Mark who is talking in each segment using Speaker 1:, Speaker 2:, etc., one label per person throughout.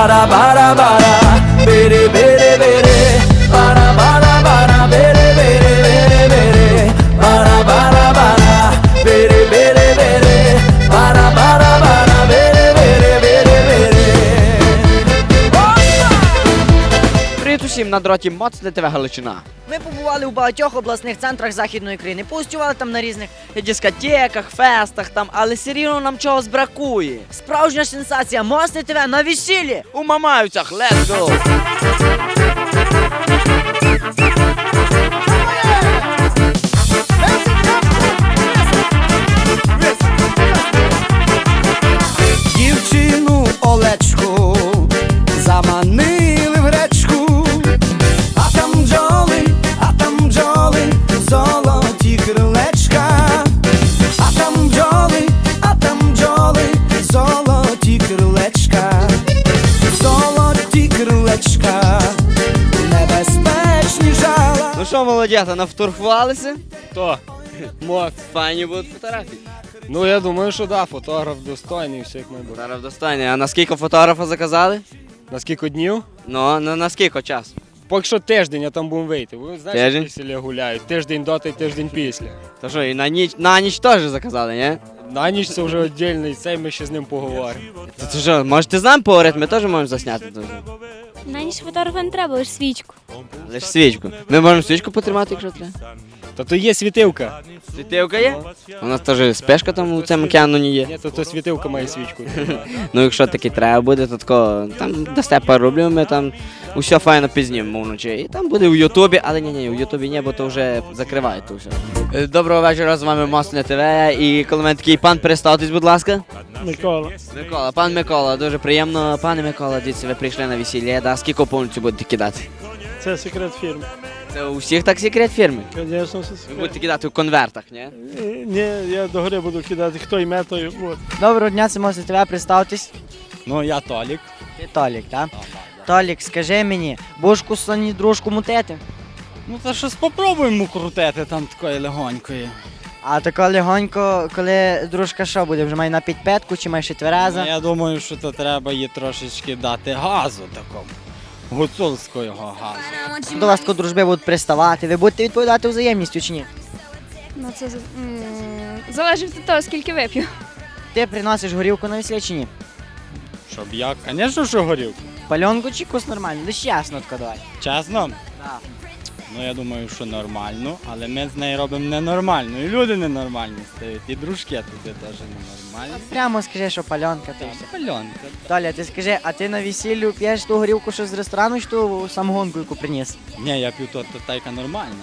Speaker 1: bara bara bara, bere bere bere, bara bara bara, bere bere bere bere, bara bara bara, bere bere bere, bara bara bara, bere bere bere bere.
Speaker 2: Привіт усім на дроті Моцне ТВ Галичина.
Speaker 3: Ми побували у багатьох обласних центрах Західної України, погостювали там на різних дискотеках, фестах там, але все рівно нам чогось бракує. Справжня сенсація, Моцне ТВ на весіллі!
Speaker 2: У Мамаївцях, let's go!
Speaker 1: Дівчину Олечку заманили в гречку, а там бджоли, золоті крилечка, а там бджоли, золоті крилечка, небезпечні жала.
Speaker 2: Ну що, молодята, нафотографувалися?
Speaker 4: Хто? Мот.
Speaker 2: Файні будуть фотографії.
Speaker 4: Ну я думаю, що да, фотограф достойний, все як має бути.
Speaker 2: Зараз достане. А на скільки фотографа заказали?
Speaker 4: На скільки днів?
Speaker 2: Ну, на скільки часу?
Speaker 4: Поки що тиждень, а там будемо вийти. Ви знаєте,
Speaker 2: Тиждень?
Speaker 4: як селі гуляють. Тиждень до та й тиждень після.
Speaker 2: То що, і на ніч теж заказали, ні?
Speaker 4: На ніч це вже віддільний цей, ми ще з ним поговоримо.
Speaker 2: То що, можете з нами поговорити, ми теж можемо засняти.
Speaker 5: На ніч фотографа не треба, лише свічку.
Speaker 2: Лиш свічку. Ми можемо свічку потримати, якщо треба.
Speaker 4: Та то є світилка.
Speaker 2: Світилка є? У нас теж спешка там у цьому океану є.
Speaker 4: Ні, то світилка має свічку.
Speaker 2: Ну якщо таки треба буде, то тако, там дасте пару рублів, ми там усе файно пізнімемо вночі. І там буде в Ютубі, але ні, в Ютубі ні, бо то вже закривають то все. Доброго вечора, з вами Моцне ТВ. І коли мене такий пан, представтесь, будь ласка.
Speaker 6: Микола.
Speaker 2: Пан Микола, дуже приємно. Пане Микола, дивіться, ви прийшли на весілля, да? Скільки повністю будете кидати?
Speaker 6: Це секрет фірми.
Speaker 2: Це у всіх так секрет фірми?
Speaker 6: Звісно, це
Speaker 2: Ви
Speaker 6: секрет.
Speaker 2: будете кидати у конвертах, ні?
Speaker 6: Ні, я догори буду кидати, хто йме, той. От.
Speaker 3: Доброго дня, це Моцне ТВ, представтесь.
Speaker 4: Ну, я Толік.
Speaker 3: Ти Толік, так? Толік, скажи мені, будеш кусані дружку мутити?
Speaker 7: Ну то щось попробуємо крутити там такої легонької.
Speaker 3: А тако легонько, коли дружка що буде, вже має на підпетку чи має ще твереза?
Speaker 7: Я думаю, що то треба їй трошечки дати газу такому. Гуцульського газу.
Speaker 3: До вас тако дружби будуть приставати, ви будете відповідати взаємністю чи ні?
Speaker 5: Ну це залежить від того, скільки вип'ю.
Speaker 3: Ти приносиш горілку на весілля чи ні?
Speaker 7: Щоб я, звісно, що горів.
Speaker 3: Пальонку чи кус нормально? Лиш ясно тако давай.
Speaker 7: Чесно?
Speaker 3: Так.
Speaker 7: Ну я думаю, що нормально, але ми з нею робимо ненормально. І люди ненормальні стають, і дружки туди теж ненормальні.
Speaker 3: Прямо скажи, що пальонка ти все.
Speaker 7: Пальонка.
Speaker 3: Толя, ти скажи, а ти на весіллю п'єш ту горілку, що з ресторану, чи ту самогонку, яку приніс?
Speaker 7: Ні, я п'ю то тайка нормальна.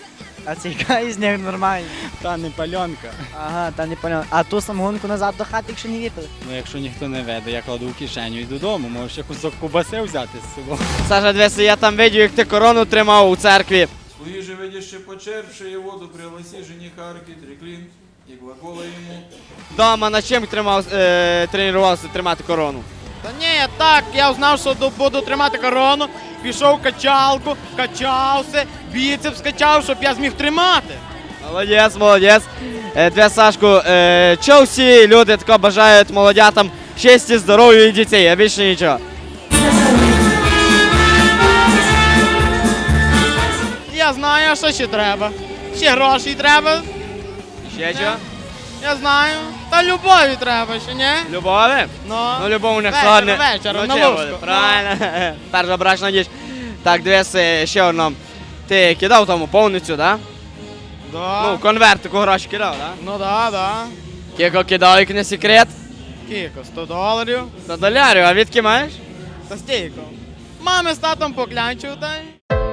Speaker 3: А це яка із них нормальна?
Speaker 7: Та не пальонка.
Speaker 3: Ага, та не пальонка. А ту самогонку назад до хати, якщо не випили?
Speaker 7: Ну якщо ніхто не веде, я кладу в кишеню і додому, можеш ще кусок кубаси взяти з собою.
Speaker 2: Саша, дивися, я там бачив, як ти корону тримав у церкві.
Speaker 8: Слуги же, видящие почерпшие воду, пригласи жениха архитреклин и глагола ему.
Speaker 2: Дома на чим тренувався тримати корону?
Speaker 9: Та ні, так, я знав, що буду тримати корону, пішов в качалку, качався, біцепс качав, щоб я зміг тримати.
Speaker 2: Молодець. Для Сашку, чого всі люди тако бажають молодятам щастя, здоров'я і дітей, а більше нічого?
Speaker 9: Я знаю, що ще треба. Ще грошей треба,
Speaker 2: Ще чого?
Speaker 9: я знаю. Та любові треба ще, ні?
Speaker 2: Любові?
Speaker 9: Ну,
Speaker 2: Ну, любов у них
Speaker 9: Вечором,
Speaker 2: складне.
Speaker 9: вечором,
Speaker 2: Ну,
Speaker 9: на
Speaker 2: чим
Speaker 9: ложку.
Speaker 2: буде? Правильно. Перша брачна ніч. Так, дивись, ще одно. Ти кидав тому повністю, так?
Speaker 9: Да.
Speaker 2: Ну, конвертику гроші кидав, так?
Speaker 9: Ну да.
Speaker 2: Кілько кидав, як не секрет?
Speaker 9: Кілько, $100.
Speaker 2: $100, а відки маєш?
Speaker 9: Та стільки. Мами з татом поклянчив, та й.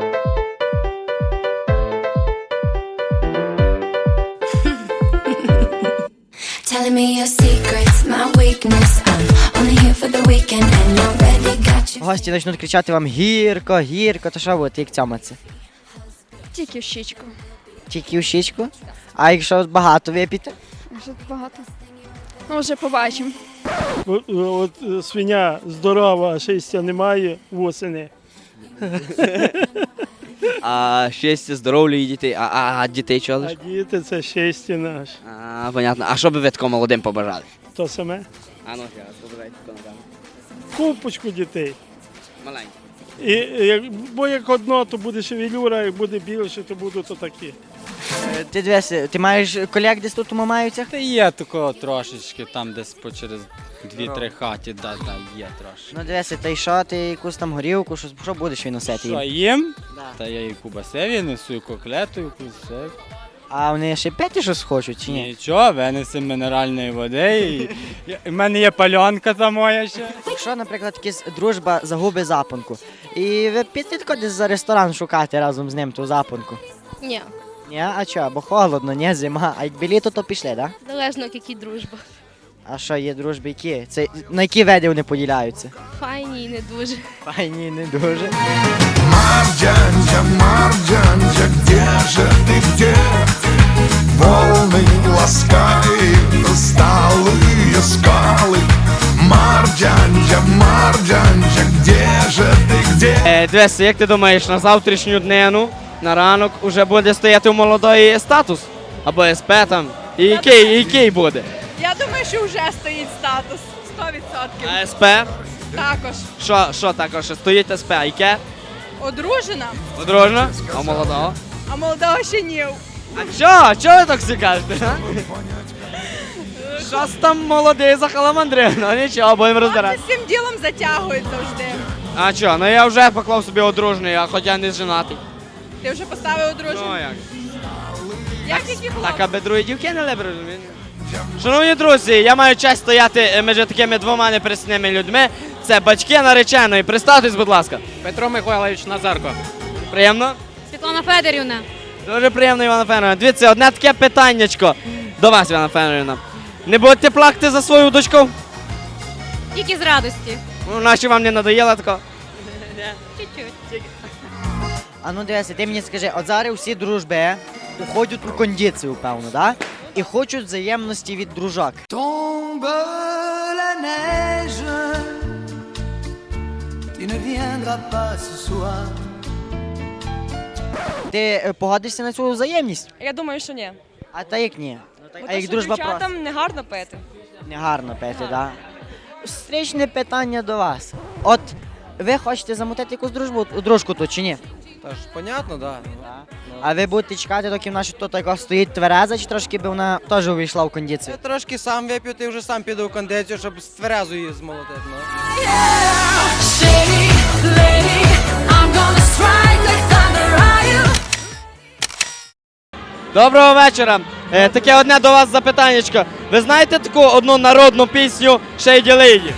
Speaker 10: Telling me your secrets, my weakness. I'm only here for the weekend and you already got you.
Speaker 3: Гості почнуть кричати вам гірко, гірко, то що будете, як цьоматься?
Speaker 5: Тільки в щічку.
Speaker 3: Тільки в щічку? А якщо багато вип'єте?
Speaker 5: Вже багато. Ну, вже побачимо.
Speaker 6: От свиня здорова, а шестя немає восени.
Speaker 2: А щастя, здоров'я і дітей. А дітей чого
Speaker 6: А
Speaker 2: лиш?
Speaker 6: діти це щастя наше.
Speaker 2: Понятно. А що би ви такому молодим побажали?
Speaker 6: То саме.
Speaker 2: А ну, ще раз, побажайте тако на камеру.
Speaker 6: купочку дітей.
Speaker 2: Маленький.
Speaker 6: Бо як одно, то буде шевелюра, як буде більше, то будуть то такі.
Speaker 3: Ти дивися, ти маєш колег десь тут у Мамаївцях?
Speaker 7: Та є такого трошечки, там десь по через 2-3 хаті, да, є трошки.
Speaker 3: Ну дивися, та й що, ти якусь там горілку, що будеш виносити
Speaker 7: Що
Speaker 3: їм?
Speaker 7: їм?
Speaker 3: Да.
Speaker 7: Та я і кубасеві несу, і коклету, і все.
Speaker 3: А вони ще п'яті щось хочуть чи ні?
Speaker 7: Нічого, винесемо мінеральної води, і в мене є пальонка та моя ще.
Speaker 3: Якщо, наприклад, якась дружба загубить запонку, і ви підете десь за ресторан шукати разом з ним ту запонку?
Speaker 5: Ні,
Speaker 3: Ні, а чого? Бо холодно, ні, зима. А як біліто, то пішли, так? Да?
Speaker 5: залежно, які дружба.
Speaker 3: А що, є дружби які? Це на які види вони поділяються?
Speaker 5: Файні і не дуже.
Speaker 3: Файні, не дуже.
Speaker 1: Марджанджа, Марджанджа, где же ты, где? Волны ласкают усталые скалы. Марджанджа, Марджанджа, где же ти, где?
Speaker 2: Дивись, як ти думаєш, на завтрашню днину, на ранок, уже буде стояти у молодої статус? Або СП там? І який буде?
Speaker 5: Я думаю, що вже стоїть статус. 100%.
Speaker 2: А СП?
Speaker 5: Також.
Speaker 2: Що також? Стоїть СП? Яке?
Speaker 5: Одружена,
Speaker 2: Одружена? А молодого?
Speaker 5: а молодого ще ні.
Speaker 2: А чого ви так всі кажете? а? Щось там молодий захаламандрив, ну нічого, будемо розбирати.
Speaker 5: з цим ділом затягують завжди.
Speaker 2: А що, ну я вже поклав собі одружний, а хоча не женатий.
Speaker 5: Ти вже поставив одружену?
Speaker 2: Ну як?
Speaker 5: Як які було?
Speaker 2: Так, аби другі дівки не лебри, розумієте? Шановні друзі, я маю честь стояти між такими двома непристойними людьми. Це батьки нареченої. Представтесь, будь ласка.
Speaker 4: Петро Михайлович Назарко.
Speaker 2: Приємно?
Speaker 5: Світлана Федорівна.
Speaker 2: Дуже приємно, Івана Федорівна. Дивіться, одне таке питаннячко до вас, Івана Федорівна. Не будете плакати за свою дочку?
Speaker 5: Тільки з радості.
Speaker 2: Ну, наче вам не надоїло тако?
Speaker 5: Чуть-чуть.
Speaker 3: А ну дивися, ти мені скажи, от зараз всі дружби уходять у кондицію, певно, да? І хочуть взаємності від дружок.
Speaker 1: Tombe la neige, tu ne viendras pas ce soir.
Speaker 3: Ти погодишся на цю взаємність?
Speaker 5: Я думаю, що ні.
Speaker 3: А та як ні? А як дружба просто?
Speaker 5: не гарно пити.
Speaker 3: Не гарно пити, да? Встречне питання до вас. От ви хочете замутити якусь дружку тут чи ні?
Speaker 4: Та ж, понятно, да.
Speaker 3: А ви будете чекати, доки вона тут така стоїть твереза, чи трошки би вона теж увійшла в кондицію?
Speaker 4: Я трошки сам вип'ю, ти вже сам піду в кондицію, щоб з тверезу її змолотити. Ну.
Speaker 10: Shady lady, I'm gonna strike like thunder, are you?
Speaker 2: Доброго вечора. Таке одне до вас запитаннячко. Ви знаєте таку одну народну пісню Shady Lady?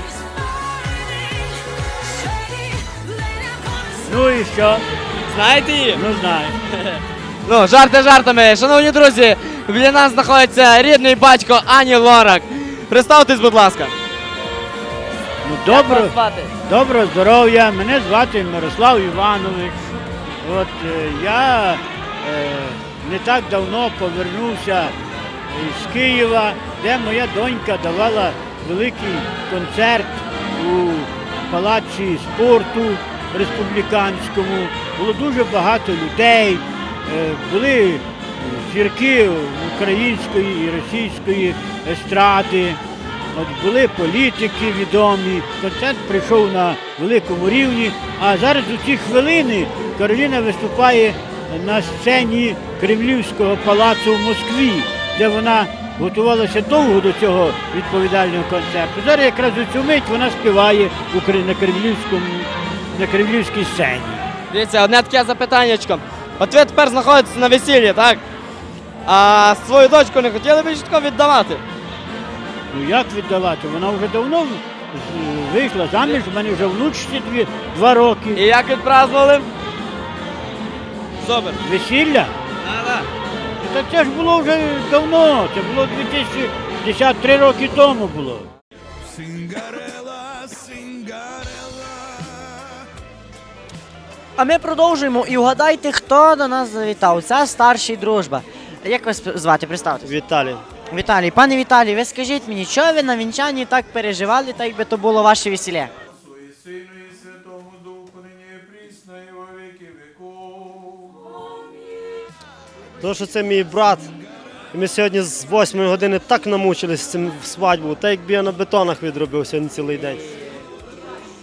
Speaker 6: Ну і що?
Speaker 2: Знаєте її?
Speaker 6: Ну знаю.
Speaker 2: Ну, жарти жартами. Шановні друзі, біля нас знаходиться рідний батько Ані Лорак. Представтесь, будь ласка.
Speaker 6: Ну
Speaker 2: Як вас звати?
Speaker 6: доброго здоров'я. Мене звати Мирослав Іванович. От я не так давно повернувся з Києва, де моя донька давала великий концерт у палаці спорту республіканському. Було дуже багато людей, були зірки української і російської естради, от були політики відомі. Концерт прийшов на великому рівні, а зараз у ці хвилини Кароліна виступає на сцені Кремлівського палацу в Москві, де вона готувалася довго до цього відповідального концерту. Зараз якраз у цю мить вона співає на кремлівській сцені.
Speaker 2: Дивіться, одне таке запитаннячко. От ви тепер знаходитесь на весіллі, так? А свою дочку не хотіли б чітко віддавати?
Speaker 6: Ну як віддавати? Вона вже давно вийшла заміж, в мене вже внучці 2 роки.
Speaker 2: І як відпразнували? Супер.
Speaker 6: Весілля?
Speaker 2: Да.
Speaker 6: Та це ж було вже давно, це було 2010, 3 роки тому було.
Speaker 3: А ми продовжуємо і вгадайте, хто до нас завітав. Це старший дружба. Як вас звати? Представте.
Speaker 6: Віталій.
Speaker 3: Віталій. Пане Віталій, ви скажіть мені, чого ви на вінчанні так переживали, так якби то було ваше весілля?
Speaker 8: Твої Сину і Святому Духу, нині і прісно, і во віки віков.
Speaker 11: Тому що це мій брат. І ми сьогодні з 8 години так намучились з цим свадьбу, так якби я на бетонах відробив сьогодні цілий день.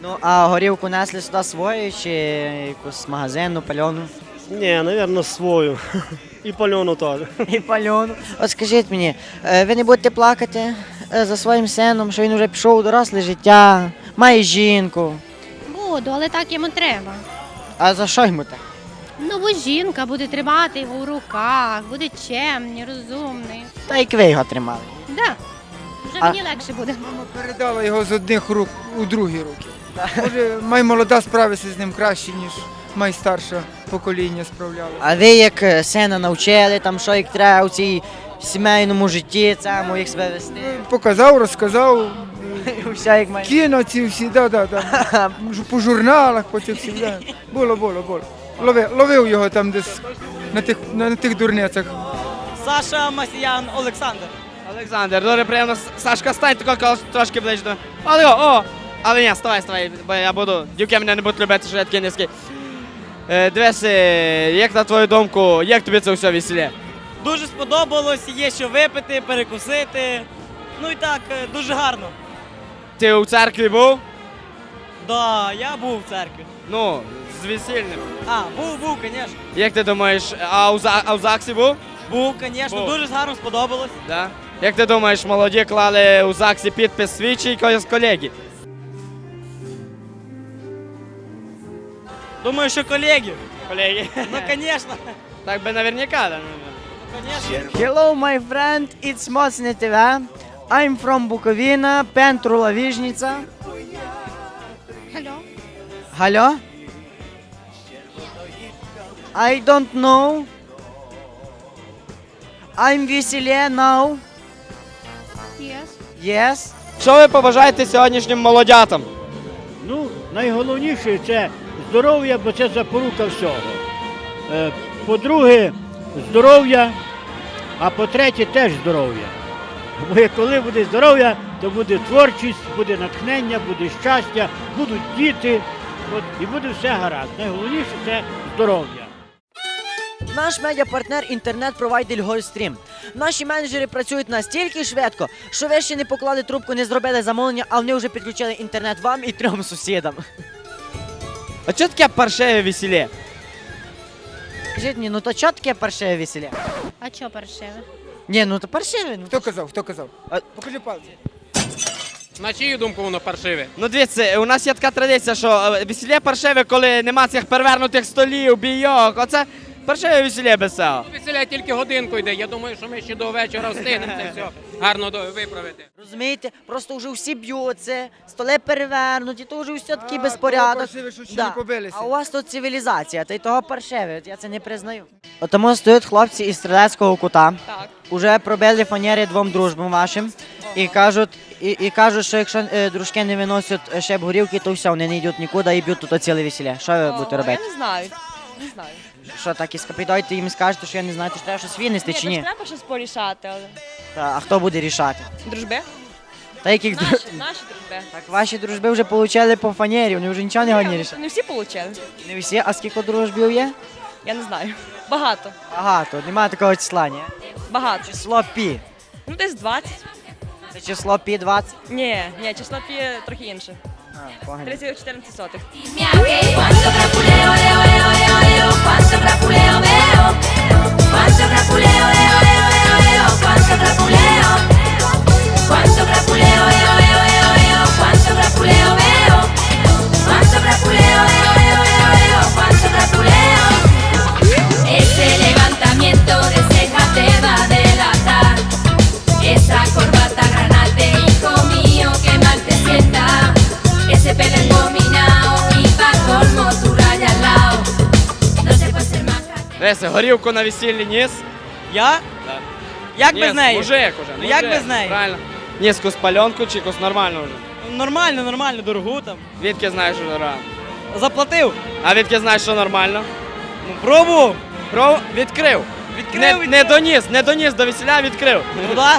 Speaker 3: Ну, а горівку несли сюди свою чи якусь магазинну, пальону?
Speaker 11: Ні, мабуть, свою. І пальону теж.
Speaker 3: І пальону. От скажіть мені, ви не будете плакати за своїм сином, що він вже пішов у доросле життя, має жінку.
Speaker 5: Буду, але так йому треба.
Speaker 3: А за що йому так?
Speaker 5: Ну, бо жінка буде тримати його в руках, буде чемний, розумний.
Speaker 3: Та як ви його тримали.
Speaker 5: Да. Вже
Speaker 3: А-
Speaker 5: мені легше буде.
Speaker 12: Передала його з одних рук у другі руки. Може, май молода справиться з ним краще, ніж май старше покоління справлялося.
Speaker 3: А ви як сина навчили, там що як треба у цій сімейному житті, цьому, як себе вести?
Speaker 12: Показав, розказав,
Speaker 3: Все як має.
Speaker 12: кіно ці всі, по журналах, по цих всіх. Да. Було. Ловив його там десь на тих дурницях.
Speaker 3: Саша Масіян Олександр.
Speaker 2: Олександр, дуже приємно. Сашка, стань тако трошки ближче. до- о! Але ні, ставай, бо я буду. Дівки мене не будуть любити, що я такий низький. Дивись, як на твою думку, як тобі це все весілля?
Speaker 3: Дуже сподобалось, є що випити, перекусити. Ну і так, дуже гарно.
Speaker 2: Ти у церкві був?
Speaker 3: Да, я був в церкві.
Speaker 2: Ну, з весільним.
Speaker 3: А, був, звісно.
Speaker 2: Як ти думаєш, а у ЗАГСі був?
Speaker 3: Був, звісно,
Speaker 2: Був.
Speaker 3: дуже гарно сподобалось.
Speaker 2: Да. Як ти думаєш, молоді клали у ЗАГСі підпис свій чи якогось колеги?
Speaker 3: Думаю, що колеги.
Speaker 2: Колеги.
Speaker 3: Ну, звісно.
Speaker 2: Так би наверняка, да.
Speaker 3: Hello, my friend, it's Mocne TV. I'm from Bukovina, Pentrula Віжниця.
Speaker 5: Алло?
Speaker 3: Алло? I don't know. I'm веселе now.
Speaker 5: Yes.
Speaker 3: Yes.
Speaker 2: Що ви побажаєте сьогоднішнім молодятам?
Speaker 6: Ну, найголовніше це здоров'я, бо це запорука всього. По-друге, здоров'я, а по-третє, теж здоров'я. Бо коли буде здоров'я, то буде творчість, буде натхнення, буде щастя, будуть діти, і буде все гаразд. Найголовніше це здоров'я.
Speaker 3: Наш медіапартнер інтернет-провайдер Гольстрім. Наші менеджери працюють настільки швидко, що ви ще не поклали трубку, не зробили замовлення, а вони вже підключили інтернет вам і 3 сусідам.
Speaker 2: А що таке паршиве весілля?
Speaker 3: Скажіть мені, ну то чого таке паршиве весілля?
Speaker 5: А чо паршиве?
Speaker 3: Ні, ну то паршиве. Ну.
Speaker 12: Хто казав? Покажи пальці.
Speaker 9: На чию думку воно паршиве?
Speaker 2: Ну дивіться, у нас є така традиція, що весілля паршиве, коли нема цих перевернутих столів, бійок. Оце паршиве весілля без цього.
Speaker 9: Весіля тільки годинку йде. Я думаю, що ми ще до вечора встигнемо це все гарно виправити.
Speaker 3: Розумієте, просто вже всі б'ються, столи перевернуті, то вже все такий безпорядок.
Speaker 12: Паршиве, що ще не побилися.
Speaker 3: А у вас тут цивілізація, та й того паршиве, от я це не признаю. От тому стоять хлопці із стрілецького кута,
Speaker 5: Так.
Speaker 3: уже пробили фанери 2 дружбам вашим і кажуть, що якщо дружки не виносять ще б горілки, то все, вони не йдуть нікуди і б'ють тут ціле весілля. Що ви будете робити?
Speaker 5: Я не знаю. Не знаю.
Speaker 3: Що так і підійдете їм і скажете, що я не знаю, то ж треба щось винести чи ні?
Speaker 5: треба щось порішати, але...
Speaker 3: А хто буде рішати?
Speaker 5: Дружби?
Speaker 3: Та яких
Speaker 5: Наші дружби.
Speaker 3: Так ваші дружби вже отримали по фанері, вони вже нічого не годні рішати.
Speaker 5: Не всі отримали.
Speaker 3: Не всі, а скільки дружбів є?
Speaker 5: Я не знаю. Багато.
Speaker 3: Багато, немає такого числа, ні?
Speaker 5: Багато.
Speaker 3: Число пі.
Speaker 5: Ну, десь 20.
Speaker 3: Це число пі 20?
Speaker 5: Ні, число пі трохи інше.
Speaker 3: А, погано.
Speaker 5: 3,14 сотих.
Speaker 10: Cuánto crapuleo, leo, leo, leo, leo, cuánto crapuleo veo. Cuánto crapuleo, leo, leo, leo, leo, cuánto crapuleo. Cuánto crapuleo, leo, leo, leo, leo, cuánto crapuleo veo. Cuánto crapuleo, leo, leo, leo, leo, cuánto crapuleo. Ese levantamiento de ceja te va a delatar. Esa corbata granate, hijo mío, que mal te sienta. Ese pelo engominao y pa' colmo tu raya al lado. No se puede ser más
Speaker 2: Дивися, горілку на весіллі ніс.
Speaker 3: Я?
Speaker 2: Так.
Speaker 3: Як
Speaker 2: Ніс, мужик уже.
Speaker 3: Ну, як без неї?
Speaker 2: Правильно. Ніс якусь пальонку чи якусь нормальну вже.
Speaker 3: Нормально, дорогу там.
Speaker 2: Відки знаєш, що нормально.
Speaker 3: Заплатив.
Speaker 2: А відки знаєш, що нормально?
Speaker 3: Ну, пробував.
Speaker 2: Відкрив.
Speaker 3: Відкрив.
Speaker 2: Не доніс до весілля, відкрив.
Speaker 3: Ну да.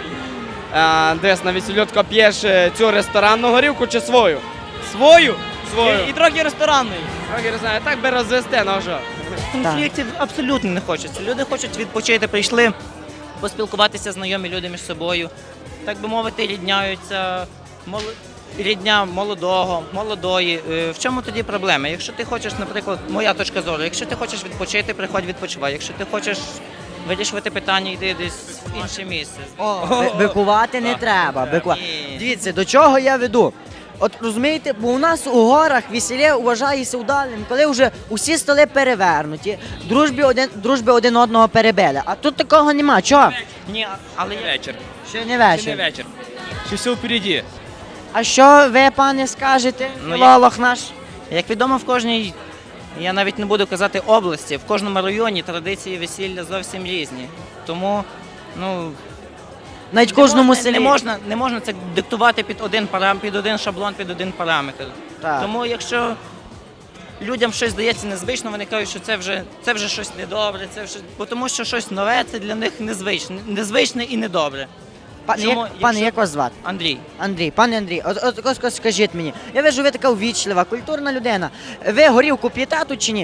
Speaker 2: Десь на весіллю тако п'єш цю ресторанну горілку чи свою?
Speaker 3: Свою.
Speaker 2: Свою.
Speaker 3: І трохи ресторанної.
Speaker 2: Трохи не знаю, так би розвести, ну що.
Speaker 13: Конфліктів абсолютно не хочеться. Люди хочуть відпочити, прийшли поспілкуватися знайомі люди між собою. Так би мовити, рідняються. рідня молодого, молодої. В чому тоді проблема? Якщо ти хочеш, наприклад, моя точка зору, якщо ти хочеш відпочити, приходь відпочивай. Якщо ти хочеш вирішувати питання, йди десь в інше місце.
Speaker 3: Бикувати не треба.
Speaker 13: Ні.
Speaker 3: Дивіться, до чого я веду. От розумієте, бо у нас у горах весілля вважається удалим, коли вже усі столи перевернуті, дружби один одного перебили. А тут такого нема. Чого?
Speaker 13: Ні, але
Speaker 9: Вечір.
Speaker 3: Ще не вечір.
Speaker 9: вечір. Ще все впереді.
Speaker 3: А що ви, пане, скажете?
Speaker 13: Ну,
Speaker 3: Філолог наш.
Speaker 13: як відомо, в кожній, я навіть не буду казати області, в кожному районі традиції весілля зовсім різні. Тому, ну,
Speaker 3: Навіть в кожному селі.
Speaker 13: не можна це диктувати під один шаблон, під один параметр.
Speaker 3: Так.
Speaker 13: Тому якщо людям щось здається незвично, вони кажуть, що це вже щось недобре, бо тому що щось нове це для них незвичне і недобре.
Speaker 3: Пане, як вас звати?
Speaker 13: Андрій.
Speaker 3: Андрій, пане Андрій, от скажіть мені, я вижу, ви така ввічлива, культурна людина. Ви горілку п'єте тут чи ні?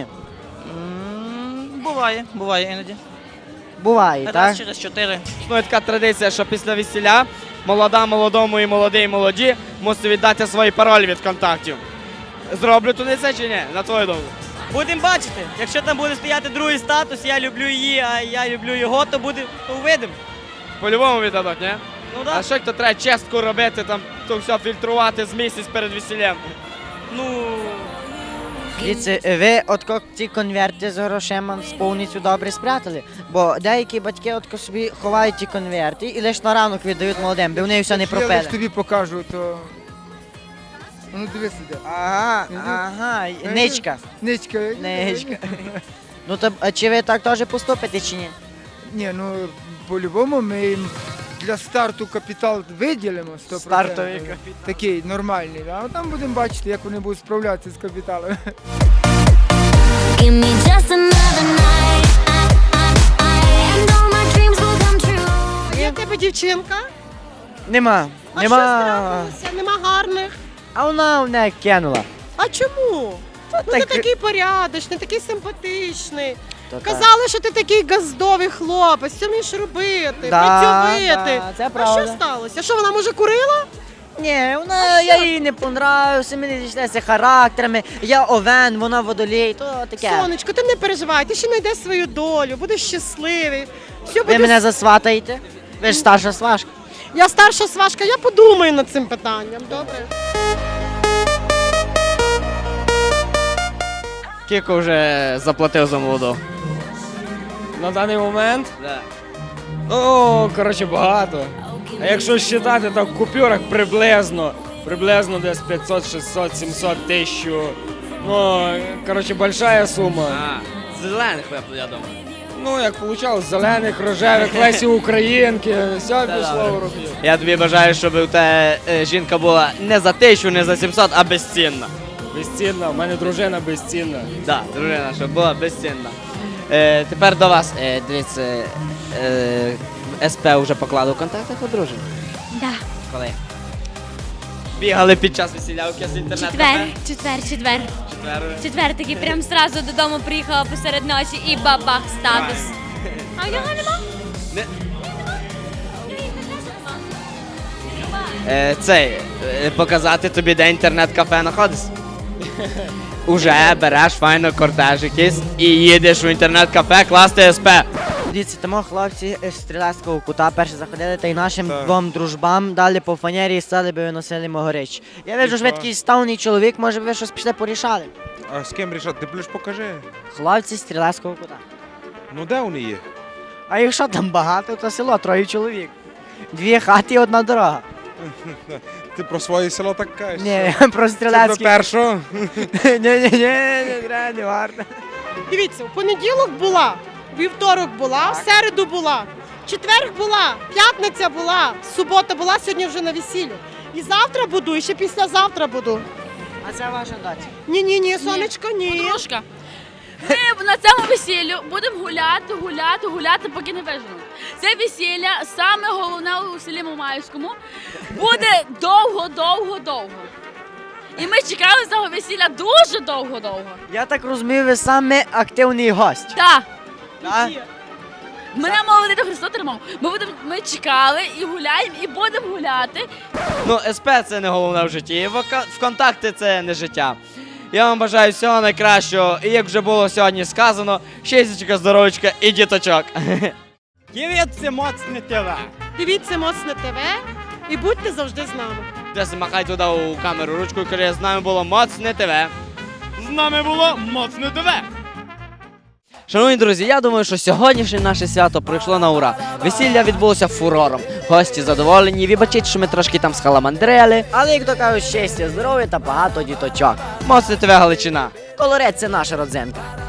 Speaker 13: Буває іноді.
Speaker 3: Буває, так?
Speaker 13: Раз через 4.
Speaker 2: Існує така традиція, що після весілля молода молодому і молодий молоді мусить віддати свої паролі від контактів. Зроблю туди це чи ні? На твою думку?
Speaker 3: Будемо бачити. Якщо там буде стояти другий статус, я люблю її, а я люблю його, то увидимо.
Speaker 2: По-любому віддадуть, ні?
Speaker 3: Ну
Speaker 2: А що то треба чистку робити, там, то все фільтрувати з місяць перед весіллям?
Speaker 3: Дивіться, ви ці конверти з грошима повністю добре спрятали, бо деякі батьки собі ховають ті конверти і лише на ранок віддають молодим, бо вони все не
Speaker 12: Я
Speaker 3: пропили.
Speaker 12: лиш тобі покажу, то... Ну дивись іде.
Speaker 3: Ага, ничка.
Speaker 12: Ничка.
Speaker 3: Ничка. Ну то, а чи ви так теж поступите, чи ні?
Speaker 12: Ні, ну по-любому ми їм для старту капітал виділимо 100%.
Speaker 3: Стартовий капітал.
Speaker 12: Такий нормальний, да? А там будемо бачити, як вони будуть справлятися з капіталом.
Speaker 10: Give me just another night, and all my dreams will come true.
Speaker 5: Є в тебе дівчинка?
Speaker 3: Нема.
Speaker 5: А що трапилося? Нема гарних?
Speaker 3: А вона мене кинула.
Speaker 5: А чому? Ну ти
Speaker 3: так-
Speaker 5: такий порядочний, такий симпатичний.
Speaker 3: То так.
Speaker 5: Казали, що ти такий газдовий хлопець, все вмієш робити,
Speaker 3: Да,
Speaker 5: працьовити.
Speaker 3: да, це
Speaker 5: А
Speaker 3: правда.
Speaker 5: що сталося? Що вона може курила?
Speaker 3: Ні, я їй не понравився, ми не зійшлися характерами. Я овен, вона водолій, то таке.
Speaker 5: Сонечко, ти не переживай, ти ще знайдеш свою долю, будеш щасливий. Все
Speaker 3: Ви
Speaker 5: буде...
Speaker 3: мене засватаєте? Ви ж старша сважка.
Speaker 5: Я старша сважка, я подумаю над цим питанням, добре?
Speaker 2: Скільки вже заплатив за молоду?
Speaker 4: На даний момент,
Speaker 2: Да.
Speaker 4: ну, коротше, багато. А якщо вважати, то в купюрах приблизно десь 500, 600, 700, 1000. Ну, коротше, большая сума.
Speaker 2: Зелених, я думаю.
Speaker 4: Ну, як вийшло, зелених, рожевих, Лесі Українки, все пішло в руки.
Speaker 2: Я тобі бажаю, щоб у тебе жінка була не за 1000, не за 700, а безцінна.
Speaker 4: Безцінна, в мене дружина безцінна.
Speaker 2: Так, дружина, щоб була безцінна. Тепер до вас, дивіться, СП вже поклали у контактах одружені?
Speaker 14: Да.
Speaker 2: Коли? Бігали під час весілля у кіс інтернет-кафе?
Speaker 14: Четвер. Четвер такий прям зразу додому приїхала посеред ночі і бабах статус. А його нема?
Speaker 2: Показати тобі, де інтернет-кафе знаходиться? Уже береш файно кортеж якийсь і їдеш у інтернет-кафе класти СП.
Speaker 3: Дивіться, тому хлопці з стрілецького кута перші заходили та й нашим двом дружбам дали по фанері і стали би виносили могорич. Я вижу, що ви такий ставний чоловік, може ви щось пішли порішали.
Speaker 15: А з ким рішати? Ти плюс покажи.
Speaker 3: Хлопці з стрілецького кута.
Speaker 15: Ну де вони є?
Speaker 3: А якщо там багато, то село, 3 чоловік. 2 хати і 1 дорога.
Speaker 15: Ти про своє село так кажеш?
Speaker 3: Ні,
Speaker 15: що?
Speaker 3: про
Speaker 15: Це
Speaker 3: стрілецьке.
Speaker 15: до першого?
Speaker 3: Не варто.
Speaker 5: Дивіться, у понеділок була, вівторок була, в середу була, четверг була, п'ятниця була, субота була, сьогодні вже на весіллю. І завтра буду, і ще післязавтра буду.
Speaker 3: А це ваша дача?
Speaker 5: Ні, сонечко, ні.
Speaker 14: Подружка. Ми на цьому весіллю будемо гуляти, поки не виженемо. Це весілля, саме головне у селі Мамаївському, буде довго. І ми чекали цього весілля дуже довго.
Speaker 3: Я так розумію, ви саме активний гость.
Speaker 14: Так.
Speaker 3: Так?
Speaker 14: Мене мовили до Христос тримав. Ми чекали і гуляємо, і будемо гуляти.
Speaker 2: Ну, СП це не головне в житті, і ВКонтакті це не життя. Я вам бажаю всього найкращого, і як вже було сьогодні сказано, щастячка, здоровечка і діточок.
Speaker 7: Дивіться моцне ТВ.
Speaker 5: Дивіться моцне ТВ і будьте завжди з нами.
Speaker 2: Десь махай туди у камеру ручкою, каже, з нами було моцне ТВ.
Speaker 9: З нами було моцне ТВ.
Speaker 2: Шановні друзі, я думаю, що сьогоднішнє наше свято пройшло на ура. Весілля відбулося фурором. Гості задоволені, вибачіть, що ми трошки там схаламандрили.
Speaker 3: Але, як то кажуть, щастя, здоров'я та багато діточок.
Speaker 2: Моцне ТВ Галичина.
Speaker 3: Колорець – це наша родзинка.